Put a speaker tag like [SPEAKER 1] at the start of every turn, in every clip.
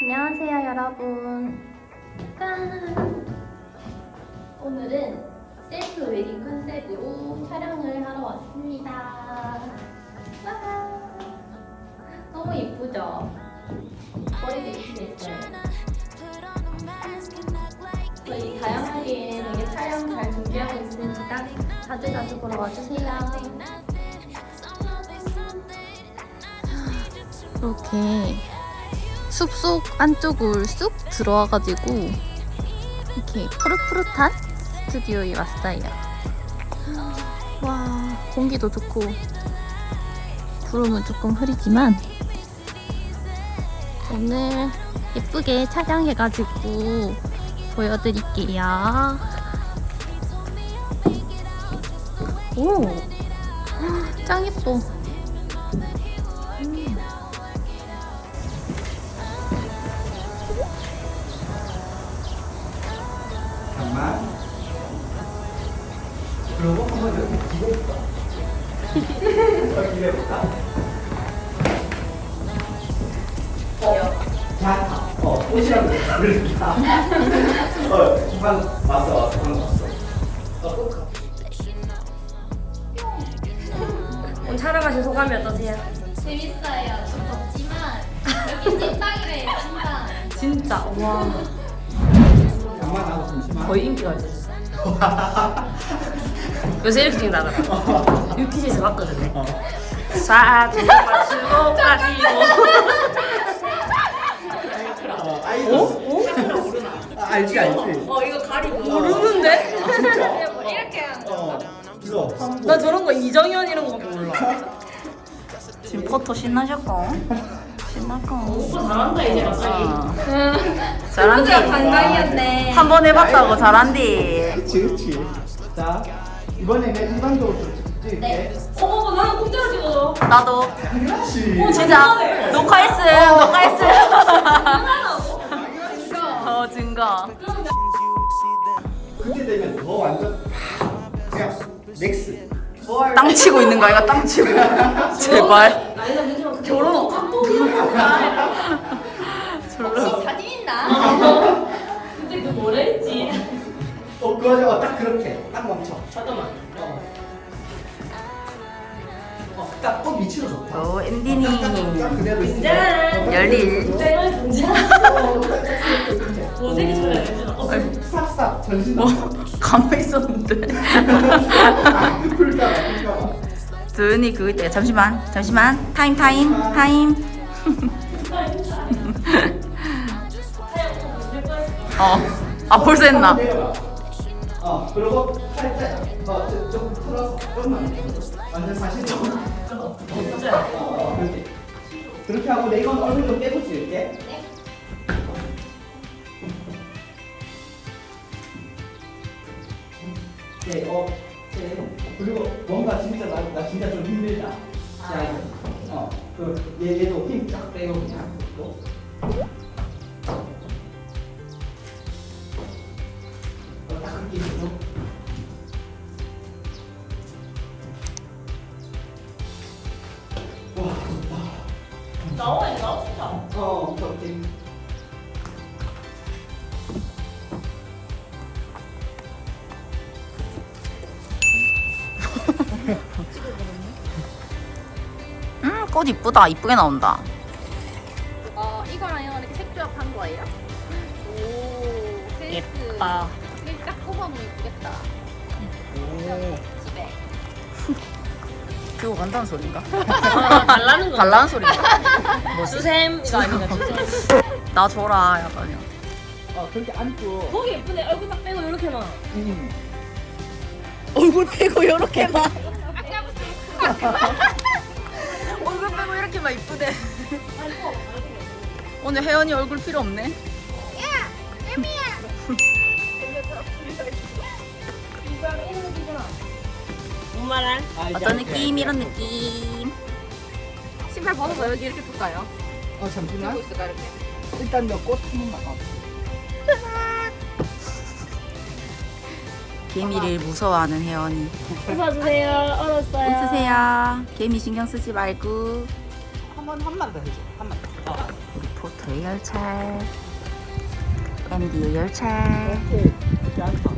[SPEAKER 1] 안녕하세요 여러분. 짠! 오늘은 셀프 웨딩 컨셉으로 촬영을 하러 왔습니다. 와! 너무 예쁘죠? 머리도 예쁘게 했어요. 저희 다양하게 되게 촬영 잘 준비하고 있으니까 자주자주 보러 와주세요.
[SPEAKER 2] 이렇게 숲속 안쪽을 쑥 들어와가지고 이렇게 푸릇푸릇한 스튜디오에 왔어요. 와, 공기도 좋고 구름은 조금 흐리지만 오늘 예쁘게 촬영해가지고 보여드릴게요. 오, 짱 예뻐.
[SPEAKER 3] 잠깐만. 그리고 한번 이렇게 기대볼까? 기대볼까? 자, 옷이랑 그러니까. 방 왔어. 꼭
[SPEAKER 4] 오늘 촬영하신 소감이 어떠세요?
[SPEAKER 1] 재밌어요. 좀 덥지만 여기 찐빵이래요. 찐빵.
[SPEAKER 4] 진짜 와
[SPEAKER 3] 잠깐만 하고 잠시만.
[SPEAKER 4] 거의 인기가 있어. 요새 이렇게 찍는다더라. 유퀴즈에서 봤거든요. 사진 맞추고 빠지고.
[SPEAKER 3] 아이돌. 알지.
[SPEAKER 4] 이거 가리고 모르는데?
[SPEAKER 3] 진짜?
[SPEAKER 1] 이렇게 하는 거.
[SPEAKER 3] 불러.
[SPEAKER 4] 나 저런 거 이정현 이런 거밖에 몰라.
[SPEAKER 2] 지금 포토 신나셨고? 신나고.
[SPEAKER 4] 오빠 잘한다 이제 갑자기.
[SPEAKER 2] 잘한디.
[SPEAKER 1] 반강이었네.
[SPEAKER 2] 한 번 해봤다고 잘한디.
[SPEAKER 3] 그렇지. 자, 이번에는 일반적으로 찍을게.
[SPEAKER 1] 네.
[SPEAKER 4] 어머 나는 공짜로 찍어줘.
[SPEAKER 2] 나도.
[SPEAKER 3] 그렇지.
[SPEAKER 2] 진짜 녹화했음. 증거.
[SPEAKER 3] 그때 되면 더 완전 그냥 넥스.
[SPEAKER 2] 땅 치고 있는 거 아이가 땅 치고. 제발.
[SPEAKER 4] 아니다 괜찮아. 결혼 감동이야.
[SPEAKER 1] 혹시 사진 있나?
[SPEAKER 4] 근데 그 뭐라 했지?
[SPEAKER 3] 그거죠. 딱 그렇게. 딱 멈춰.
[SPEAKER 4] 잠깐만.
[SPEAKER 3] 딱 미치도 좋다.
[SPEAKER 2] 오, 엔디니.
[SPEAKER 3] 딱 그대로 있어.
[SPEAKER 4] 짠!
[SPEAKER 2] 열일.
[SPEAKER 4] 내가 진짜 모델이 잘해야 되나?
[SPEAKER 3] 싹싹 전신
[SPEAKER 2] 뭐 가만히 있었는데.
[SPEAKER 3] 풀다가.
[SPEAKER 2] 조연이 그거 있대. 잠시만. 타임. 벌써 했나?
[SPEAKER 3] 그리고 살짝 좀 틀어서 좀만 완전 사실 그렇지. 그렇게 하고 내 이건 얼굴 좀 빼고 찍을게. 네, 그리고 뭔가 진짜 나 진짜 좀 힘들다. 자, 얘도 힘 쫙 빼고 그냥 또. 딱 그렇게 있어. 와, 좋다.
[SPEAKER 4] 나와 진짜.
[SPEAKER 3] 그렇게.
[SPEAKER 2] 꽃 이쁘다. 이쁘게 나온다.
[SPEAKER 1] 이거랑 이거랑 이렇게 색조합한 거예요? 오, 센스.
[SPEAKER 2] 예쁘다.
[SPEAKER 1] 이렇게 딱 꼽아놓으면 예쁘겠다. 집에.
[SPEAKER 2] 그거 간다는 소린가?
[SPEAKER 4] 달라는 거.
[SPEAKER 2] 달라는 소린가?
[SPEAKER 4] 뭐 수샘 이거 아닌가 수샘.
[SPEAKER 2] 나 줘라 약간요.
[SPEAKER 3] 그렇게 안고.
[SPEAKER 4] 거기 예쁘네. 얼굴 딱 빼고 이렇게만.
[SPEAKER 2] 얼굴 빼고 이렇게만. 얼굴 빼고 이렇게만 이쁘대. 오늘 혜연이 얼굴 필요 없네.
[SPEAKER 4] 뭔 말할?
[SPEAKER 2] 어떤 느낌? 이런 느낌.
[SPEAKER 1] 신발 벗어서 여기 이렇게 둘까요?
[SPEAKER 3] 잠시만.
[SPEAKER 1] 들고 있을까 이렇게?
[SPEAKER 3] 일단 너꽃 한 번만.
[SPEAKER 2] 개미를 무서워하는 혜연이.
[SPEAKER 4] 웃어주세요. 얼었어요.
[SPEAKER 2] 웃으세요. 개미 신경 쓰지 말고.
[SPEAKER 3] 한번 더 해줘. 한 번 더.
[SPEAKER 2] 우리 포토 K의 열차, MD의 열차.
[SPEAKER 3] 오케이. 그렇지 않다.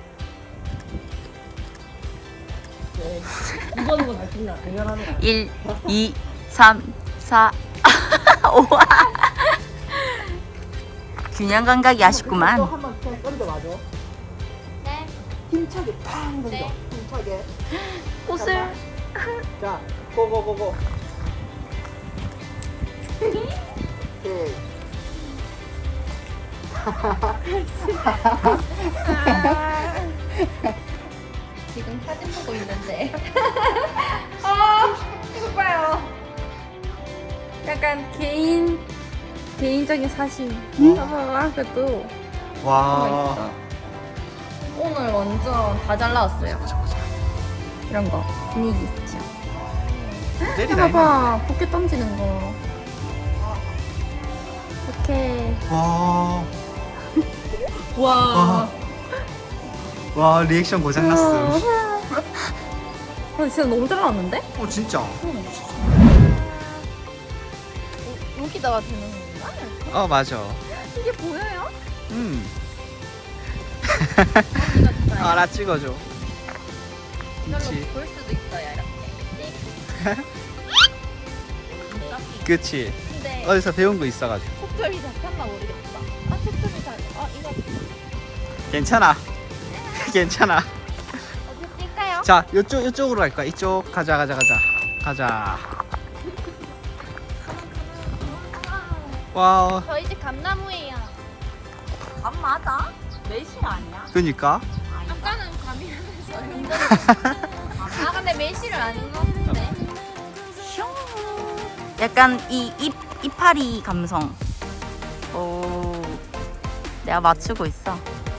[SPEAKER 4] 이거는 뭐잘 찍나? 당연하네.
[SPEAKER 2] 1, 2, 3, 4, 5. 균형 감각이 아쉽구만.
[SPEAKER 3] 또 한번 그냥 던져봐줘.
[SPEAKER 1] 네.
[SPEAKER 3] 힘차게 팡 던져.
[SPEAKER 1] 네.
[SPEAKER 3] 힘차게.
[SPEAKER 2] 옷을.
[SPEAKER 3] 자, 고고고고. 오케이.
[SPEAKER 1] 지금 사진 보고 있는데.
[SPEAKER 5] 이거 봐요. 약간 개인적인 사진. 봐봐, 그래도
[SPEAKER 3] 와.
[SPEAKER 5] 오늘 완전 다 잘 나왔어요. 이런 거 분위기 있죠. 봐봐, 포켓 던지는 거. 이렇게.
[SPEAKER 3] 와.
[SPEAKER 5] 와.
[SPEAKER 3] 와, 리액션 고장났어.
[SPEAKER 5] 진짜 너무 잘 나왔는데?
[SPEAKER 3] 어, 진짜.
[SPEAKER 5] 여기다가 되는 건가?
[SPEAKER 3] 어, 맞아.
[SPEAKER 5] 이게 보여요?
[SPEAKER 3] 나 찍어줘.
[SPEAKER 5] 이걸로
[SPEAKER 3] 그치.
[SPEAKER 5] 볼 수도 있어요, 이렇게.
[SPEAKER 3] 그치.
[SPEAKER 5] 근데
[SPEAKER 3] 어디서 배운 거 있어가지고.
[SPEAKER 5] 촉점이 잡혔나 모르겠다. 촉점이 잘. 이거
[SPEAKER 3] 괜찮아. 괜찮아.
[SPEAKER 5] 어디 뛸까요?
[SPEAKER 3] 자, 이쪽으로 갈까? 이쪽 가자. 와,
[SPEAKER 5] 저희 집 감나무예요.
[SPEAKER 2] 감 맞아? 매실 아니야?
[SPEAKER 3] 그니까.
[SPEAKER 5] 아까는 감이라면서요. 근데 매실을 안 넣었는데.
[SPEAKER 2] 약간 이파리 감성. 오, 내가 맞추고 있어.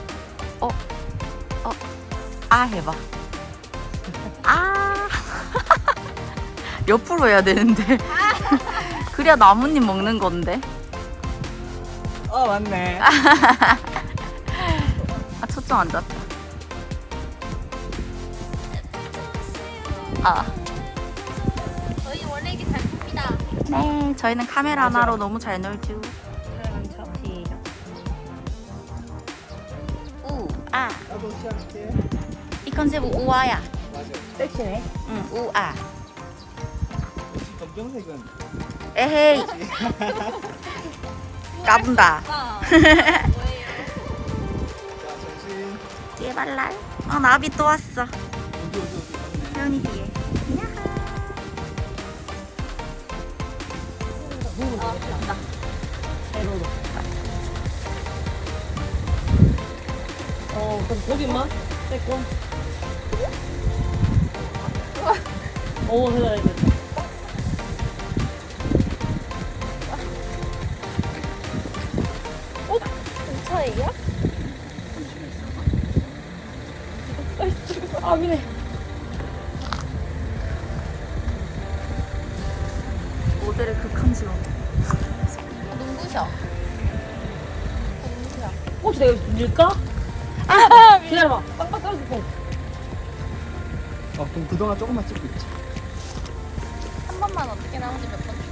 [SPEAKER 2] 해봐. 옆으로 해야 되는데. 그래야 나뭇잎 먹는 건데.
[SPEAKER 3] 맞네.
[SPEAKER 2] 초점 안 잡혀.
[SPEAKER 5] 저희 원래 이게 잘 큽니다.
[SPEAKER 2] 네, 저희는 카메라 하나로 너무 잘 놀죠.
[SPEAKER 3] 나도 시작할게.
[SPEAKER 2] 이 컨셉은 우아야.
[SPEAKER 3] 맞아.
[SPEAKER 4] 섹시네.
[SPEAKER 2] 응, 우아.
[SPEAKER 3] 검정색은.
[SPEAKER 2] 에헤이. 까분다.
[SPEAKER 3] 자, 정신.
[SPEAKER 2] 제발랄. 나비 또 왔어.
[SPEAKER 3] 어디.
[SPEAKER 2] 태연이 뒤에.
[SPEAKER 4] 그럼 고기만? 빼고. 됐다.
[SPEAKER 5] 저예요?
[SPEAKER 4] 미네.
[SPEAKER 2] 모델의 극함스러.
[SPEAKER 5] 눈부셔.
[SPEAKER 4] 혹시 내가 밀까? 기다려봐. 빵빵 떨어질
[SPEAKER 3] 그럼 그동안 조금만 찍고 있지.
[SPEAKER 5] 한 번만 어떻게 나오지 몇 번?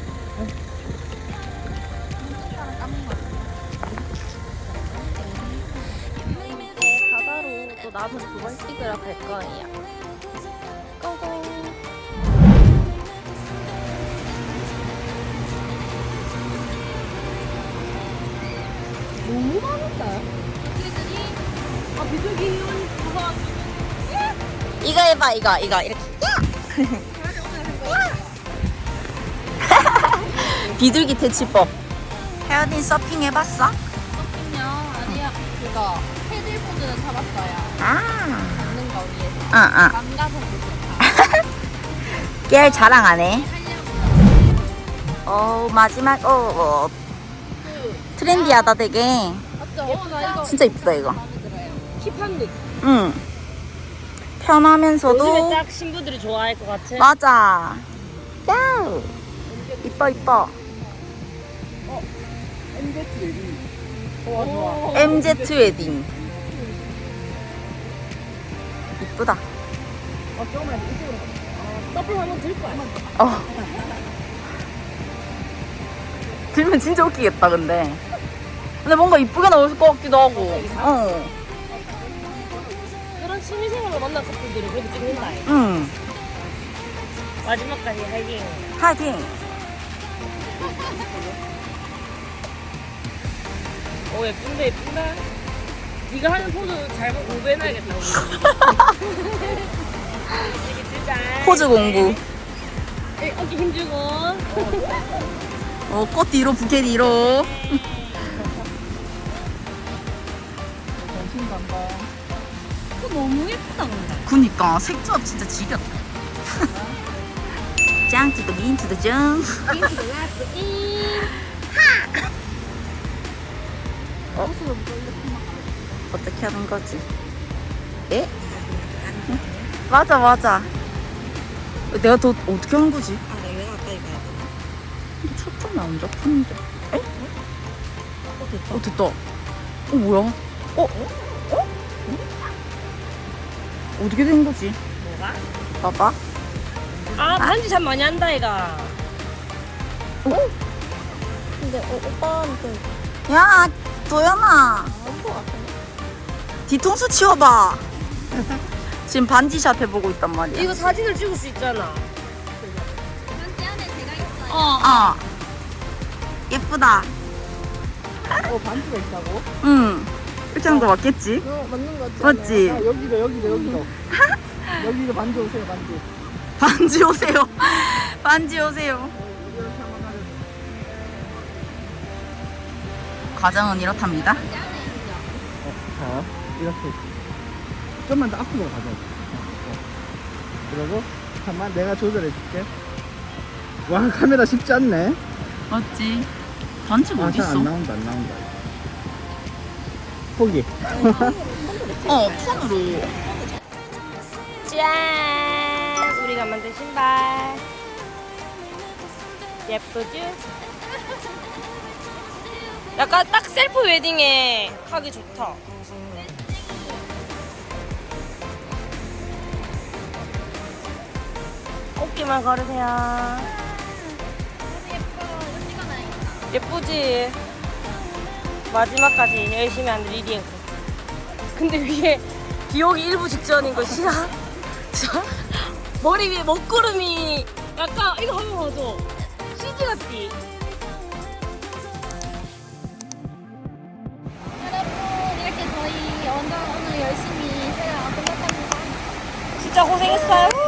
[SPEAKER 5] 바다로 또 남은 2번 찍으러 갈 거예요. 고고.
[SPEAKER 4] 너무 많았다. 비둘기 그거
[SPEAKER 2] 이거 해봐, 이거 이렇게. 비둘기 퇴치법. 태연이 서핑 해봤어?
[SPEAKER 5] 서핑요? 아니요. 그거 패들보드는 타봤어요. 잡는 거 위에서. 망가서 보셨다.
[SPEAKER 2] 깨알 자랑 안 해. 마지막, 트렌디하다 되게.
[SPEAKER 5] 맞죠? 나 이거
[SPEAKER 2] 진짜 이쁘다, 이거.
[SPEAKER 5] 마음에 들어요.
[SPEAKER 4] 힙한 룩.
[SPEAKER 2] 응. 편하면서도.
[SPEAKER 4] 요즘에 딱 신부들이 좋아할 것 같아.
[SPEAKER 2] 맞아. 야우. 이뻐.
[SPEAKER 4] 좋아.
[SPEAKER 2] MZ 웨딩. 이쁘다.
[SPEAKER 4] 조금만 이쪽으로 가. 서핑 한번 들 거야.
[SPEAKER 2] 들면 진짜 웃기겠다 근데 뭔가 이쁘게 나올 것 같기도 하고.
[SPEAKER 4] 그런 취미생활로 만난 커플들이 그렇게 찍는다.
[SPEAKER 2] 응.
[SPEAKER 4] 마지막까지 하이팅.
[SPEAKER 2] 파이팅.
[SPEAKER 4] 오 예쁜데 예쁜다. 네가 하는 포즈 잘못 공부해놔야겠다. 우리. 이렇게 들자.
[SPEAKER 2] 포즈 공부.
[SPEAKER 4] 어깨 힘주고.
[SPEAKER 2] 꽃 뒤로 부케 뒤로.
[SPEAKER 5] 너무 예쁘다 근데.
[SPEAKER 2] 그니까 색조합 진짜 지겹다. 짱 to the mean to the jump. 어떻게 하는 거지? 에? 맞아 맞아. 내가 더 어떻게 하는 거지?
[SPEAKER 5] 내가 가까이 가야 되나?
[SPEAKER 2] 근데 초점이 안 잡히는데. 에? 됐다. 뭐야? 어떻게 된 거지?
[SPEAKER 4] 뭐가?
[SPEAKER 2] 봐봐.
[SPEAKER 4] 아 반지 참 많이 한다 얘가.
[SPEAKER 5] 근데 오빠한테
[SPEAKER 2] 야, 도연아. 뒤통수 치워봐. 지금 반지샷 해보고 있단 말이야.
[SPEAKER 4] 이거 사진을 찍을 수 있잖아.
[SPEAKER 2] 어. 예쁘다.
[SPEAKER 3] 반지가 있다고?
[SPEAKER 2] 응. 이렇게 하는 거 맞겠지?
[SPEAKER 3] 맞는 거 같지?
[SPEAKER 2] 맞지?
[SPEAKER 3] 여기도. 여기도 반지 오세요, 반지.
[SPEAKER 2] 반지 오세요. 반지 오세요. 과정은 이렇답니다.
[SPEAKER 3] 자, 이렇게. 좀만 더 앞으로 가자. 그리고, 잠깐만, 내가 조절해 줄게. 와, 카메라 쉽지 않네.
[SPEAKER 2] 맞지? 반지가
[SPEAKER 3] 아, 잘
[SPEAKER 2] 어딨어?
[SPEAKER 3] 안 나온다. 포기.
[SPEAKER 2] 폰으로.
[SPEAKER 4] 짠! 우리가 만든 신발. 예쁘지? 약간 딱 셀프 웨딩에 하기 좋다. 꽃기만 걸으세요. 예쁘지? 마지막까지 열심히 하는 리리앵. 근데 위에 비 오기 일부 직전인 거 싫어? 머리 위에 먹구름이 약간 이거 한번 봐줘. CG 같지?
[SPEAKER 1] 여러분 이렇게 저희 완전 오늘 열심히 촬영 끝났답니다.
[SPEAKER 4] 진짜 고생했어요.